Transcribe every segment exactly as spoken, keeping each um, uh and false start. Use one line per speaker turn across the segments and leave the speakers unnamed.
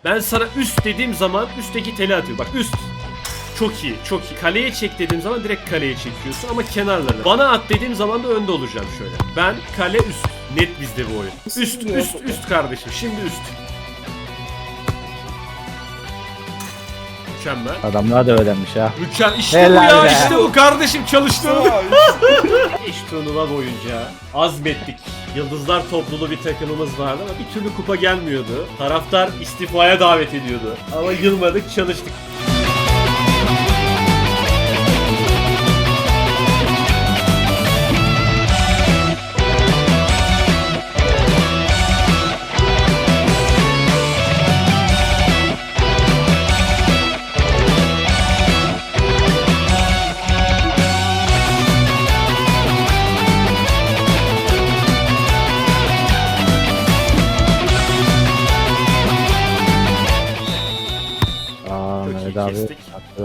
Ben sana üst dediğim zaman üstteki teli atıyor. Bak üst. Çok iyi, çok iyi. Kaleye çek dediğim zaman direkt kaleye çekiyorsun ama kenarları. Bana at dediğim zaman da önde olacağım şöyle. Ben kale üst. Net bizde bu oyun. Üst, üst, üst kardeşim. Şimdi üst. Mükemmel.
Adamlar da öğrenmiş ha.
Mükemmel. İşte bu
Helal
ya,
be.
işte bu kardeşim çalıştım. İş turnuva boyunca azmettik. Yıldızlar topluluğu bir takımımız vardı ama bir türlü kupa gelmiyordu. Taraftar istifaya davet ediyordu. Ama yılmadık, çalıştık.
Aa,
Çok iyi
Mehmet abi.
kestik.
haklı.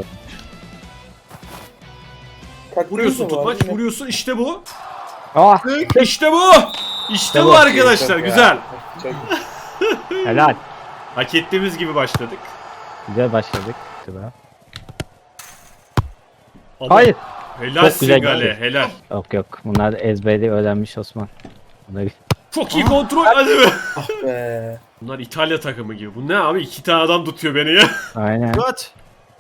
Vuruyorsun tutmaç, vuruyorsun işte bu.
Ah,
İşte bu. İşte bu
bu.
arkadaşlar, güzel.
helal.
Hak ettiğimiz gibi başladık.
Güzel başladık. Sıra.
Ama
Hayır.
Helalsin
Çok güzel
Gale,
geldi.
helal.
Yok yok. Bunlar ezberi öğrenmiş Osman. Bunları...
Çok iyi kontrol, hadi be.
Be.
Bunlar İtalya takımı gibi. Bu ne abi? İki tane adam tutuyor beni ya.
Aynen.
Kaç.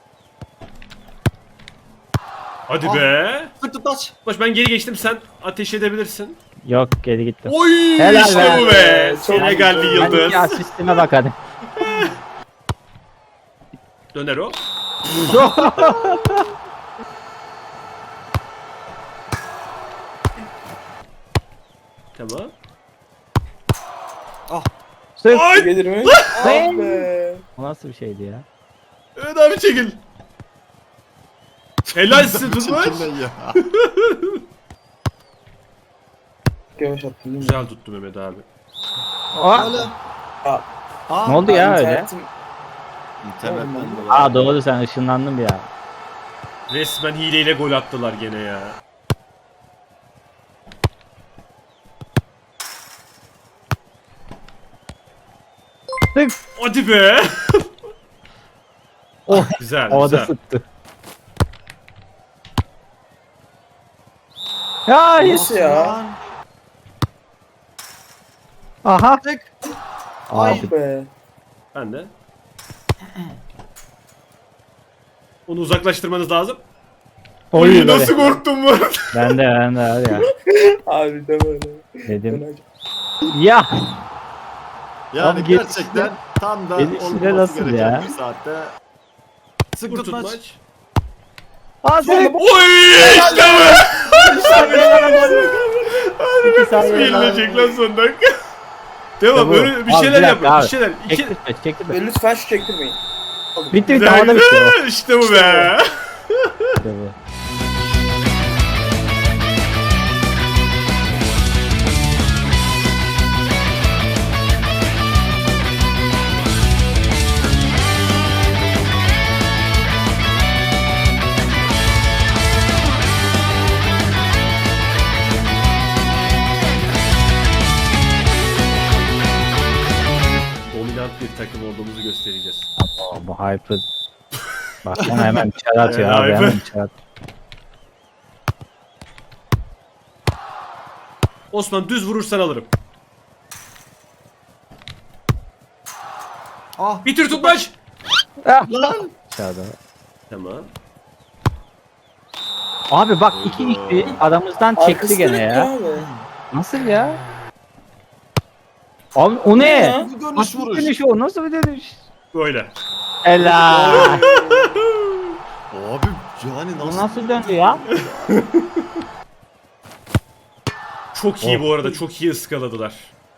Hadi
Ah.
be.
Sık tutmaç.
Baş ben geri geçtim, sen ateş edebilirsin.
Yok geri gittim.
Oy
Helal
işte
be.
bu be.
Çok
Senegalli
güzel.
yıldız.
Hadi ya sisteme bak hadi.
Döner o. Tamam.
Sırf.
Ay!
Gelir mi? Ah
Ay!
be.
O nasıl bir şeydi ya?
Evet abi çekil. Helalsin tutmaç.
Çekilme ya.
Yavaş attın değil mi?
Güzel tuttu Mehmet abi.
Aa,
Hala.
Aa,
ne oldu ya öyle?
internetim-
İnternetten dolayı.
Aa doğru sen ışınlandın bir ya.
Resmen hileyle gol attılar gene ya.
Tık.
Hadi be.
Oh,
Güzel
havada
güzel.
sıktı. Ya hayır.
Nasıl ya?
Aha.
Tık.
Abi
Ah be.
Ben de. Onu uzaklaştırmanız lazım.
oy
Oy,
böyle.
nasıl korktum bu arada.
Ben de ben de hadi ya.
Abi de böyle.
Dedim. Ya.
Yani
Abi gelişi
gerçekten tam da
gelişi de
olması
nasıl
gereken
ya?
bir saatte. Sık
Vur
tutmaç.
tutmaç.
Hadi.
Oy işte bu.
İki saniye.
Verilecek lan son dakika. Devam
Tamam.
böyle bir
Abi,
şeyler
bir
yap.
dakika
Bir
abi.
şeyler. İki...
Çektirme çektirme.
Ve lütfen şu çektirmeyin.
Bitti bitti havada bitti o.
İşte bu be.
İşte bu.
Dominant bir takım olduğumuzu göstereceğiz.
Aa, bu hyper. Bak ona hemen çar atıyor
Ee,
abi
hyper.
hemen çar.
Osman düz vurursan alırım.
Ah.
Bitir tutmaç.
Ah.
Lan.
Çarda.
Tamam.
Abi bak iki iki aramızdan çekti
Arkası
gene
dönük
ya.
Abi.
Nasıl ya? Abi o ne?
ya?
Bu dönüş
Nasıl bir
vuruş.
dönüş o? Nasıl bir dönüş?
Böyle.
Ela.
Abi yani
Bu
nasıl?
nasıl döndü ya?
Çok iyi
Oh.
bu arada. Çok iyi ıskaladılar.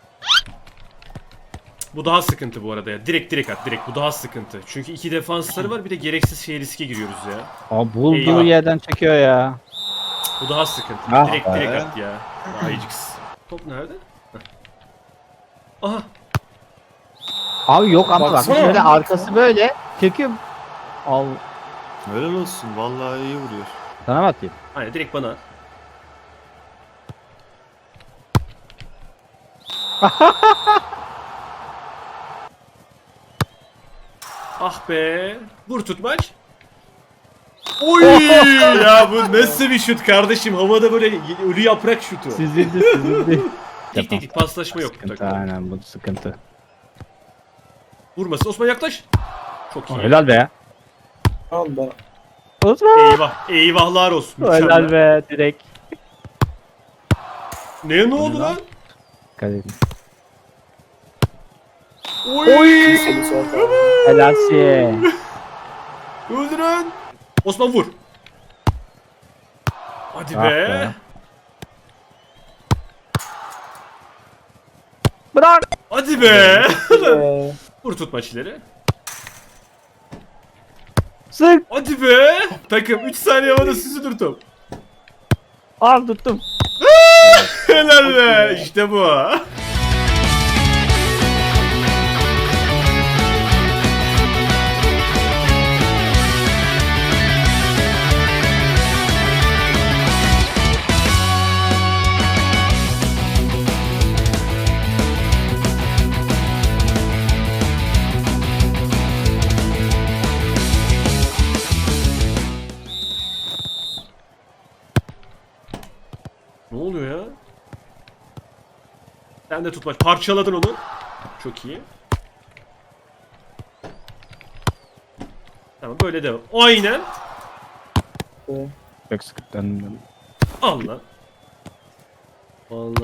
Bu daha sıkıntı bu arada ya. Direkt direkt at direkt. Bu daha sıkıntı. Çünkü iki defansları var, bir de gereksiz şey riske giriyoruz ya.
Abi bul
Eyvah.
gibi yerden çekiyor ya.
Bu daha sıkıntı.
Ah
direkt
be.
direkt at ya. Daha iyiciksin. Top nerede? Heh. Aha.
Abi yok ama bak
Baksana.
şöyle arkası böyle çekiyor. Al.
Helal olsun. Vallahi iyi vuruyor.
Sana mı atayım?
Aynen direkt bana. Ah be. Vur tutmaç. Oy ya bu nasıl bir şut kardeşim? Havada böyle ölü yaprak şutu.
Süzüldü süzüldü.
Dik dik dik paslaşma yok. bu
Sıkıntı
takımda.
aynen bu sıkıntı.
Vurmasın. Osman yaklaş. Çok iyi.
Helal be.
Al ben.
Osman.
Eyvah. Eyvahlar olsun. Mükemmel.
Helal be direkt.
Ne ne oldu lan?
Kaleci.
Oy.
Seni sonra.
Helalsin.
Öldürün. Osman vur. Hadi
Ah
be.
be. Bırak.
Hadi be.
Ee,
Vur tutmaç ileri.
Sık.
Hadi be. Takım üç saniye havada süzülür top.
Al tuttum.
Helal be. İşte bu. Ne oluyor ya? Sen de tutmaç. Parçaladın onu. Çok iyi. Tamam böyle devam. Aynen.
e,
Çok sıkıntı.
Al lan. Allah.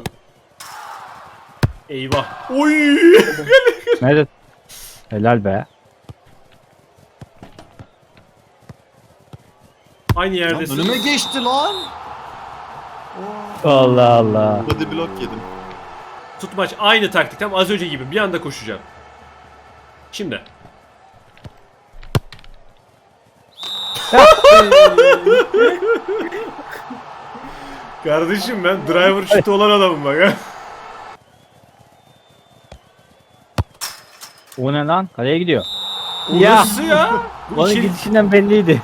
Eyvah. Oy.
Nerede? Helal be.
Aynı
Lan
yerdesin.
önüme geçti lan.
Allah Allah.
Body block yedim.
Tutmaç aynı taktik. Tam az önce gibi. Bir anda koşacağım. Şimdi. Kardeşim ben driver şutu olan adamım bak ha.
O ne lan? Kaleye gidiyor.
O
Ya.
nasıl ya? Bu
Onun
içeri-
gidişinden belliydi.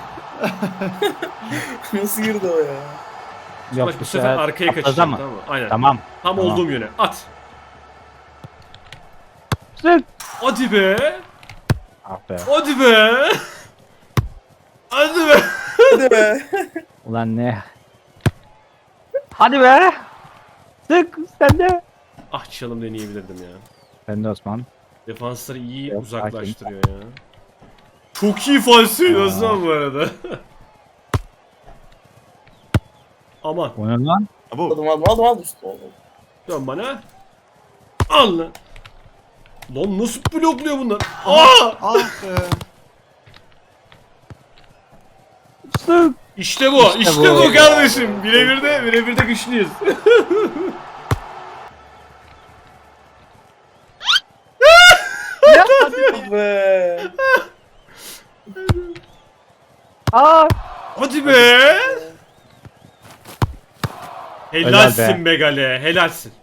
Nasıl girdi o ya?
Tutmaç bu sefer arkaya
atladı
kaçacak
ama.
tamam mı? Aynen.
Tamam.
Tam
tamam.
olduğum yöne. At.
Sık.
Hadi be.
Ah be.
Hadi be. Hadi be.
Hadi be.
Ulan ne? Hadi be. Sık sen de.
Ah çalım deneyebilirdim ya.
Ben de Osman.
Defansları iyi
Yok,
uzaklaştırıyor ya. Çok iyi falsiydi
Aa.
Osman bu arada. Aman.
O ne lan?
Abo.
Aldım aldım aldım aldım. Oldu.
Dön bana. Al lan. Lan nasıl blokluyor bunlar? Aa!
Ah be.
Sık.
İşte bu. İşte,
İşte
bu.
bu.
kardeşim. Birebir de birebir de güçlüyüz.
Hadi be.
Aa.
Hadi be. Helalsin
Helal
be Gale. Helalsin.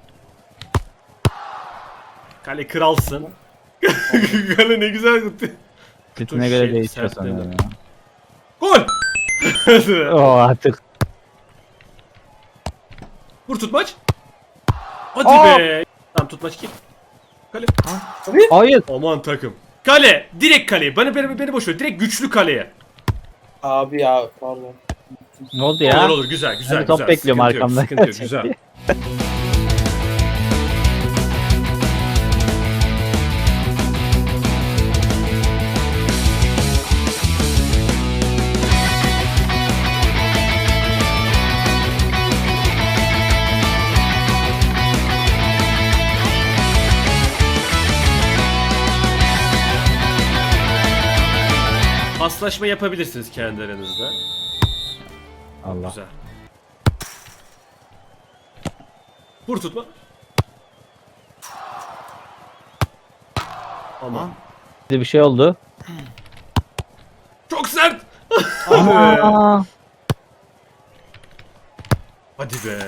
Kale kralsın. Gale ne güzel gitti.
Bütüne
Dur,
göre
şey,
değişiyor
sertledim.
sanırım ya.
Gol.
Oo artık.
Vur tutmaç. Hadi
Aa!
be. Tamam tutmaç kim? Kale.
Hayır.
Aman takım. Kale. Direkt kaleye. Beni, beni, beni boş ver. Direkt güçlü kaleye.
Abi ya pardon.
Ne oldu ya?
Olur olur. Güzel güzel
Ben de top
güzel.
bekliyorum
Sıkıntı yok,
arkamda.
Sıkıntı yok. Güzel. Paslaşma yapabilirsiniz kendi aranızda.
Allah.
Güzel. Vur tutma. Aman.
Bir şey oldu.
Çok sert. Hadi be.
Aa.
Hadi be.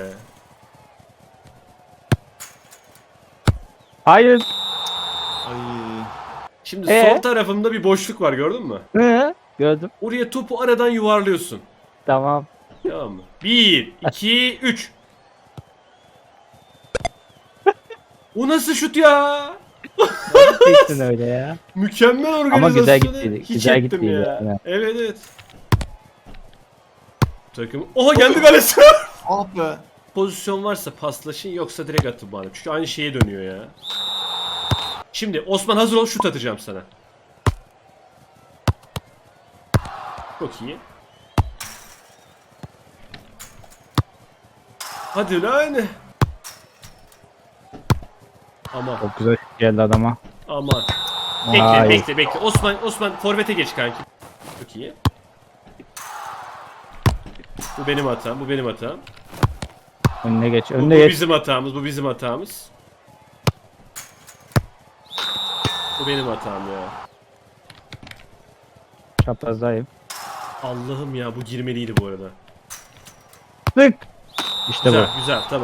Hayır.
Ay.
Şimdi
Ee?
sol tarafımda bir boşluk var gördün mü?
Hı? Gördüm.
Oraya topu aradan yuvarlıyorsun.
Tamam.
Tamam mı? Bir, iki, üç. O nasıl şut ya?
geçtin öyle ya?
Mükemmel organizasyonu.
Ama güzel gittiydi,
Hiç
güzel
ettim
gittiydi
ya.
yani.
Evet evet. Takım. Oha geldi kalesi.
Ah be.
Pozisyon varsa paslaşın yoksa direkt atın bana. Çünkü aynı şeye dönüyor ya. Şimdi Osman hazır ol, şut atacağım sana. Çok iyi. Hadi lan. Aman
Çok güzel geldi adama.
aman. Bekle
Vay.
bekle bekle. Osman Osman forvete geç kanki. Çok iyi. Bu benim hatam. Bu benim hatam.
Önüne geç,
Bu,
önüne
bu
geç.
bizim hatamız. Bu bizim hatamız. Bu benim hatam ya.
Çaprazdayım.
Allah'ım ya, bu girmeliydi bu arada.
Tık. İşte
Güzel güzel tamam.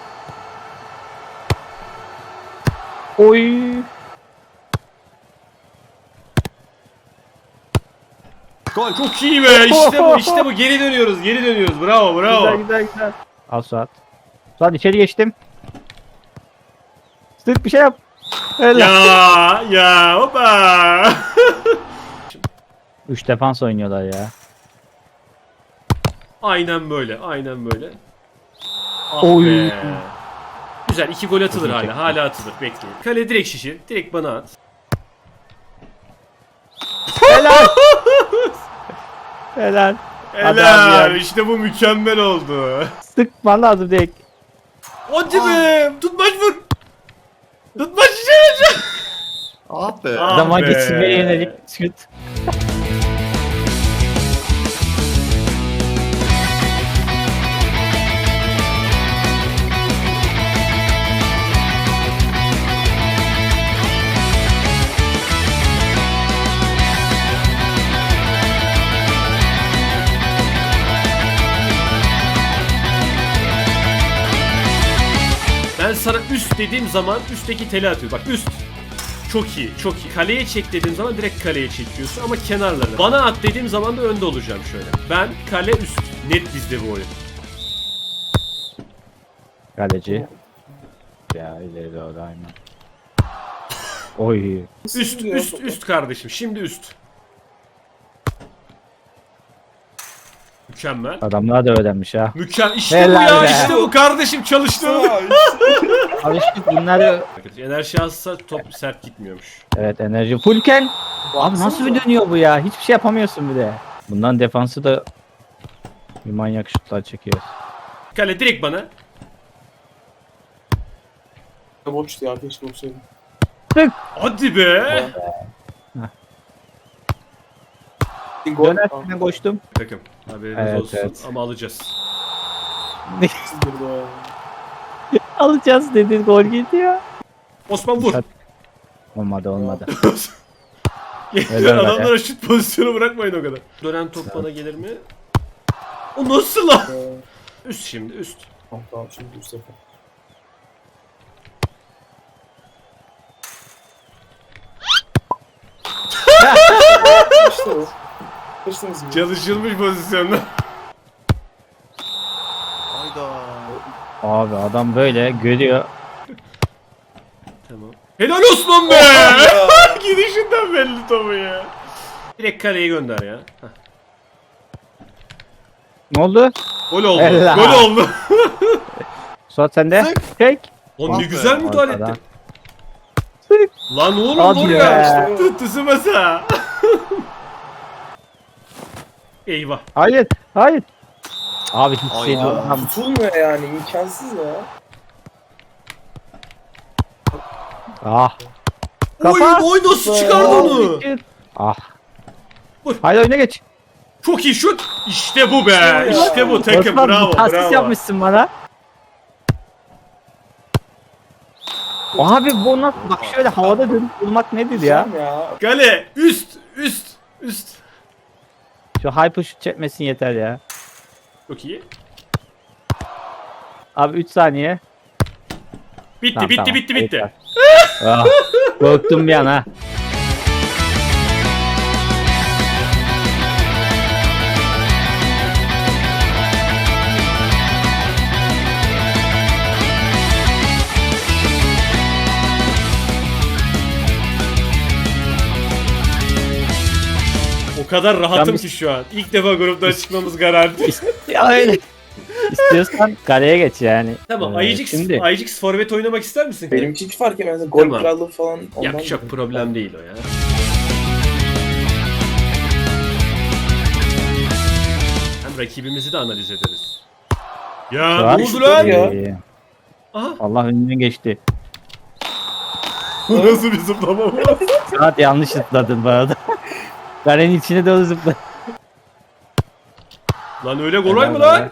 bu. Oy.
Gol.
Çok iyi be, işte bu işte bu, geri dönüyoruz geri dönüyoruz, bravo bravo.
Güzel güzel güzel. Al Suat. Suat içeri geçtim. Sık bir şey yap. Öyle.
Ya ya hopa.
Üç defans oynuyorlar ya.
Aynen böyle aynen böyle. Ah
Oy.
be. Güzel, iki gol atılır
Çok iyi
hala
çekti.
hala atılır, bekleyin. Kale direkt şişir, direkt bana at.
Helal. Helal. Hadi abi
Helal,
ya.
işte bu mükemmel oldu.
Sıkman lazım direkt.
Hadi be, tutmaç vur. Tutmaç şişir.
Ah be.
Ah
Adama
be.
geçirmeye yönelik şut.
Ben sana üst dediğim zaman üstteki teli atıyor. Bak üst. Çok iyi, çok iyi. Kaleye çek dediğim zaman direkt kaleye çekiyorsun ama kenarlarına. Bana at dediğim zaman da önde olacağım şöyle. Ben kale üst. Net bizde bu oyun.
Kaleci. Ya ileri doğru aynen. Oy.
Üst, üst, üst kardeşim. Şimdi üst. Mükemmel.
Adamlar da öğrenmiş ha.
Mükemmel. İşte
Helal
bu ya,
be.
işte bu kardeşim, çalıştı.
Alıştık bunları.
Enerji azsa top sert gitmiyormuş.
Evet enerji fullken. Abi nasıl bir dönüyor bu ya? Hiçbir şey yapamıyorsun bir de. Bundan defansı da bir manyak şutlar çekiyor.
Kale direkt bana.
Boştu ya, keşke olsaydı.
Hadi be.
Bir gol.
Dönerken koştum.
Takım. Haberiniz
Evet,
olsun
evet.
ama alacağız.
Burada.
Alacağız dedin gol gidiyor.
Osman vur.
Olmadı olmadı.
Yeter, adamlara şut pozisyonu bırakmayın o kadar. Dönen top bana gelir mi? O nasıl lan?
Ee,
Üst şimdi üst.
Tamam tamam, şimdi üst sefer. İşte o. Kaçtınız mı?
Çalışılmış pozisyonda.
Hayda.
Abi adam böyle görüyor.
Tamam. Helal Osman be! Gidişinden belli topu ya. Direkt kaleye gönder ya. Heh.
Ne oldu?
Gol oldu.
Helal.
Gol oldu.
Suat sende. Tek.
O ne
Ah be.
güzel müdahale
Arkadan.
etti.
Sık.
Lan oğlum
Hadi
var
be.
ya. Tuttu masa. Eyvah.
Hayır. Hayır. Abi hiç şey
Ayda.
yok. Tam-
Tutulmuyor yani, imkansız ya.
Ah.
Oy
Kafa.
oy, nasıl çıkardı onu?
Ah.
Vur.
Haydi oyuna geç.
Çok iyi şut. İşte bu be. İşte bu takım.
Osman,
Bravo.
bir asist
Bravo.
yapmışsın bana. Abi bu nasıl? Bak şöyle havada dönüp vurmak nedir ya?
Güzel ya.
Kale üst üst üst.
Şu hype şut çekmesin yeter ya.
Çok iyi.
Abi üç saniye.
Bitti
Tamam,
bitti
tamam.
bitti bitti.
Yeter. Ah, korktum bir an ha.
kadar rahatım
biz-
ki şu an. İlk defa gruptan çıkmamız garanti.
Ya öyle. İstiyorsan kaleye geç yani.
Tamam,
Ee,
Ayıcık,
Şimdi
Ayıcık forvet oynamak ister misin?
Benimki hiç fark etmez. Gol
Tamam.
krallığı falan ondan.
Yok çok
mı?
problem değil o ya. Hem rakibimizi de analiz ederiz. Ya
Suat-
ne oldu lan?
Ya.
Ee,
Aha.
Allah önünden geçti.
Bu nasıl bir zıplama bu?
Saat yanlış zıpladın bu arada. Kalenin içine doğru zıpladın.
Lan öyle kolay mı lan?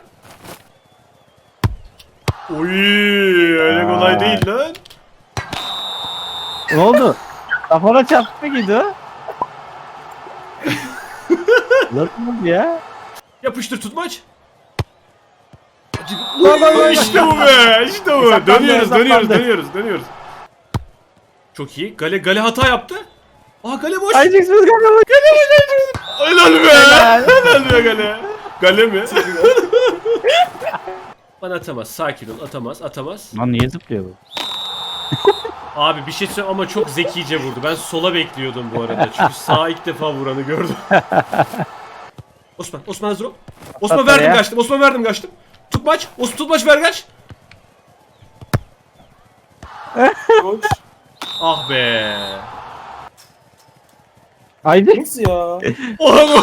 Oy, öyle
Aa.
kolay değil lan.
Ne oldu? Kafana çarptı mı o? Nasıl oldu ya?
Yapıştır tutmaç. İşte bu be, işte bu.
Hesaplandı,
Dönüyoruz, dönüyoruz,
hesaplandı.
dönüyoruz, dönüyoruz. Çok iyi. Gale, Gale hata yaptı. Aa Gale boş.
Ayıcık siz kafana.
Helal be. Helal be Gale. Gale mi? Bana atamaz. Sakin ol. Atamaz. Atamaz.
Lan niye zıplıyor bu?
Abi bir şey söyle ama çok zekice vurdu. Ben sola bekliyordum bu arada. Çünkü sağa ilk defa vuranı gördüm. Osman. Osman hazır ol. Osman
Atla
verdim
ya.
kaçtım. Osman verdim kaçtım. Tutmaç. Osman tutmaç ver kaç.
Koç.
Ah be.
Ayıcık.
Nasıl ya?
Oğlum.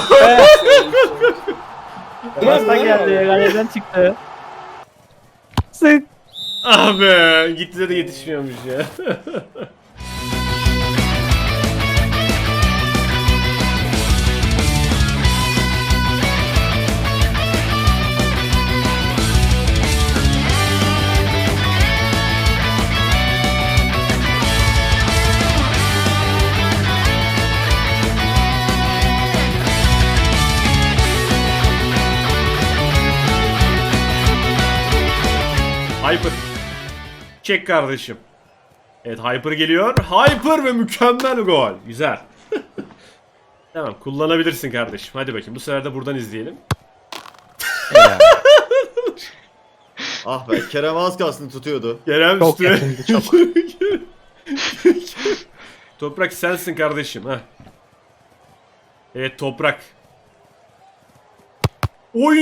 Pasta geldi. Kaleden çıktı. Sık.
Ah be. Gitti de yetişmiyormuş ya. Hyper. Çek kardeşim. Evet Hyper geliyor. Hyper ve mükemmel gol. Güzel. Tamam kullanabilirsin kardeşim. Hadi bakayım bu sefer de buradan izleyelim.
Ah be Kerem az kalsın tutuyordu.
Kerem
Çok
üstüne.
yakındı, çok.
Toprak sensin kardeşim. Heh. Evet Toprak. Oy!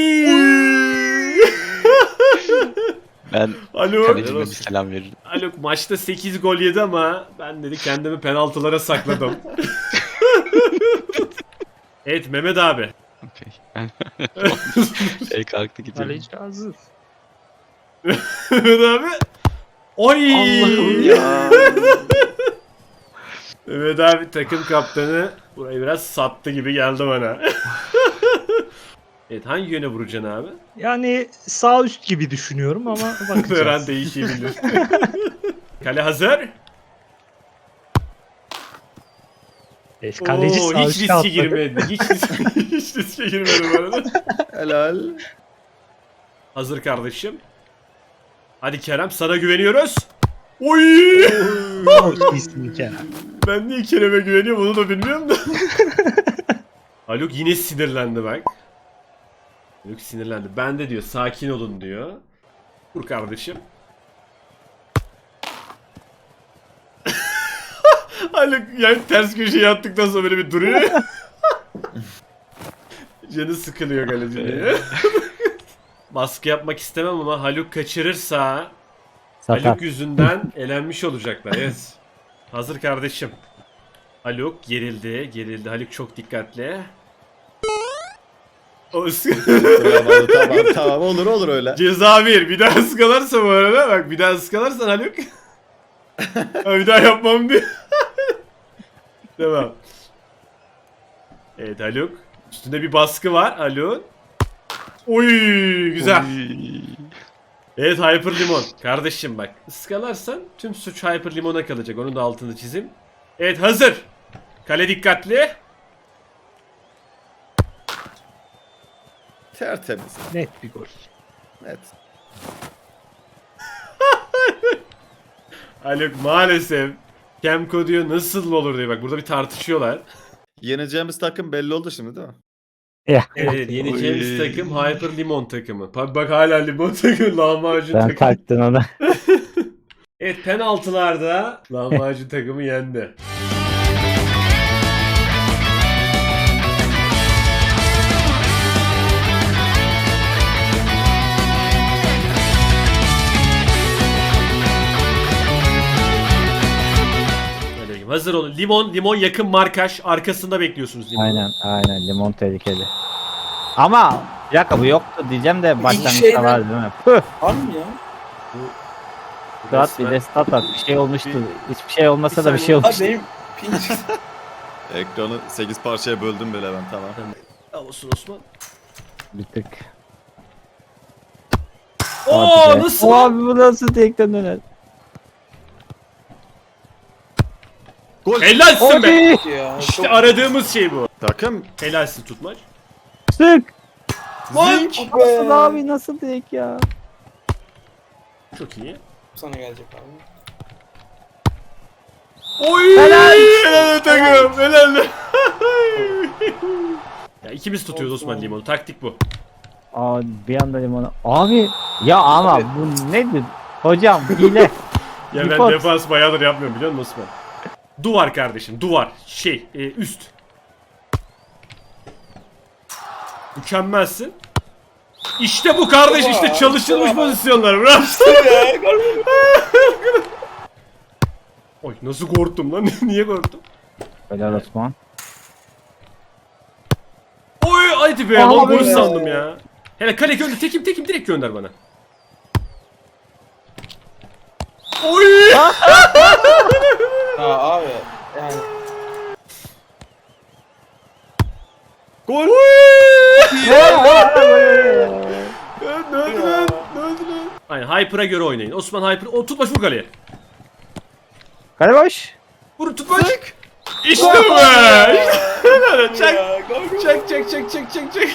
Ben
Alo.
kalecime bir selam veririm.
Alo maçta sekiz gol yedi ama ben dedi kendimi penaltılara sakladım. Evet Mehmet abi.
Okey. Ben şey kalktı gidiyorum.
Kaleci hazır.
Mehmet abi. Oy!
Allah'ım ya.
Mehmet abi takım kaptanı burayı biraz sattı gibi geldi bana. Evet hangi yöne vuracaksın abi?
Yani sağ üst gibi düşünüyorum ama
Her an
bakacağız.
değişebilir. Kale hazır.
Evet, kaleci
Oo,
sağ
hiç
üst
riske
atladı.
girmedi. Hiç, riske- hiç riske girmedi bu arada.
Helal.
Hazır kardeşim. Hadi Kerem sana güveniyoruz. Oy!
Çok iyisin Kerem.
Ben niye Kerem'e güveniyorum onu da bilmiyorum da. Haluk yine sinirlendi bak. Haluk sinirlendi. Ben de diyor sakin olun diyor. Dur kardeşim. Haluk yani ters köşeye attıktan sonra böyle bir duruyor. Canı sıkılıyor kalecinin. Baskı yapmak istemem ama Haluk kaçırırsa
Sakat.
Haluk yüzünden elenmiş olacaklar. Evet. Hazır kardeşim. Haluk gerildi, gerildi. Haluk çok dikkatli. O
tamam, tamam tamam olur olur öyle.
Ceza bir. Bir daha ıskalarsa bu arada bak bir daha ıskalarsan Haluk. Ha, bir daha yapmam diye. Tamam. Evet Haluk. Üstünde bir baskı var Haluk. Oy güzel.
Oy.
Evet Hyper Limon. Kardeşim bak ıskalarsan tüm suç Hyper Limon'a kalacak. Onun da altını çizim. Evet hazır. Kale dikkatli.
Tertemiz.
Net bir gol.
Net.
Haluk maalesef. Kemko diyor nasıl olur diye bak burada bir tartışıyorlar.
Yeneceğimiz takım belli oldu şimdi değil mi?
Ya.
Evet yeneceğimiz
Oy.
takım Hyper Limon takımı. Bak, bak hala limon takımı lahmacun
Ben
takımı.
taktın ona.
Evet penaltılarda lahmacun takımı yendi. Hazır olun. Limon, limon yakın markaj. Arkasında bekliyorsunuz limonu.
Aynen aynen limon tehlikeli. Ama bir dakika bu yoktu diyeceğim de başlangıçta
şeyden-
var değil mi? Püh.
Var mı ya?
Suat bir de stat at. Bir şey olmuştu. Hiçbir şey olmasa da bir şey
Ha
olmuştu.
benim pinç.
Ekranı sekiz parçaya böldüm bile ben tamam.
Al olsun Osman.
Bir tık.
Oo
Hadi be.
nasıl?
Abi bu nasıl tekten döner?
Gol.
Helalsin be.
Hadi.
ya.
İşte
çok-
aradığımız şey bu.
Takım.
Helalsin tutmaç.
Sık.
Zink.
Nasıl abi nasıl tek ya?
Çok iyi.
Sana gelecek abi.
Oy!
Helal.
Helal takım. Helal. Ya ikimiz tutuyoruz Osman limonu. Taktik bu.
Abi bir anda limonu. Abi ya ama bu nedir? Hocam hile.
Ya ben
Depot.
defans bayağıdır yapmıyorum biliyor musun Osman? Duvar kardeşim duvar. Şey e, üst. Mükemmelsin. İşte bu kardeş işte çalışılmış pozisyonlar. Bravo.
Ya, görmüyor musun?
Oy nasıl korktum lan? Niye korktum?
Helal Osman.
Oy hadi be.
Abi
Lan gol
ya.
sandım ya. Hele kale gönder. Tekim tekim direkt gönder bana. Oy!
Ha abi. Yani.
Gol!
Ya,
Ne oldu lan? Ne oldu lan? Aynen Hyper'a göre oynayın. Osman Hyper. O tutmaç vur kaleye.
Kale boş.
Vur tutmaç. İşte bu be. İşte. Çak.
Ya, gol, gol.
Çak çak çak çak çak çak.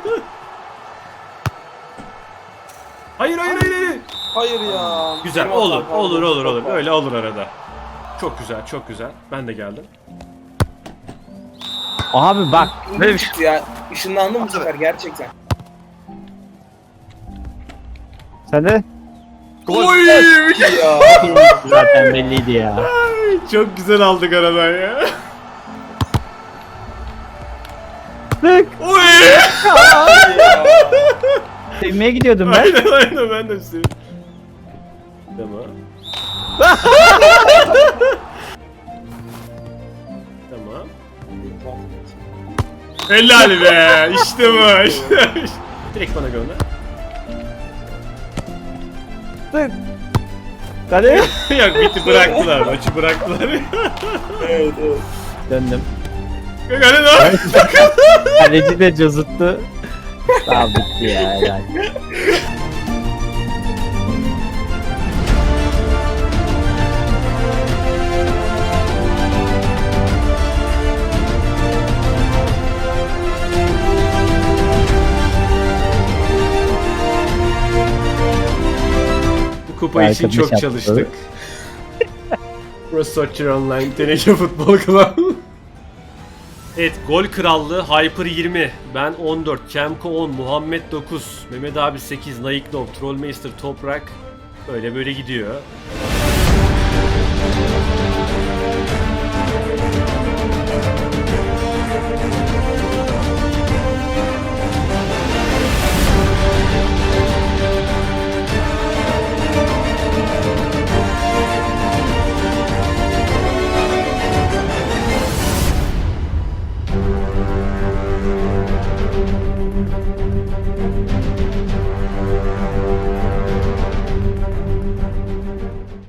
Hayır hayır hayır hayır.
Hayır ya.
Güzel
Benim
olur
hatam
olur
pardon.
olur olur.
Çok
Öyle olur arada. Çok güzel çok güzel. Ben de geldim.
Abi bak.
pardon.
Böyle bir şey.
Çıktı ya. Işınlandım bu sefer gerçekten.
Sen de
Oy!
Ya.
zaten belliydi ya.
Çok güzel aldık aradan ya.
Sık.
Oy!
ya.
Sevmeye gidiyordum ben.
Aynen aynen ben de istedim. Tamam. Tamam. Helal be. İşte bu. İşte. Direkt bana gönder.
Sık. Kale.
Yok bitti bıraktılar. Maçı bıraktılar.
Evet evet.
Döndüm.
Hadi lan.
Kaleci de cozuttu. Tamam bitti ya helal.
Bu kupa için
Arkadaş
çok
yaptı.
çalıştık. Burası Soccer Online Teneke Futbol Club. Evet, gol krallığı Hyper yirmi, ben on dört, Kemko on, Muhammed dokuz, Mehmet abi sekiz, Naiknov, Trollmeister, Toprak. Böyle böyle gidiyor.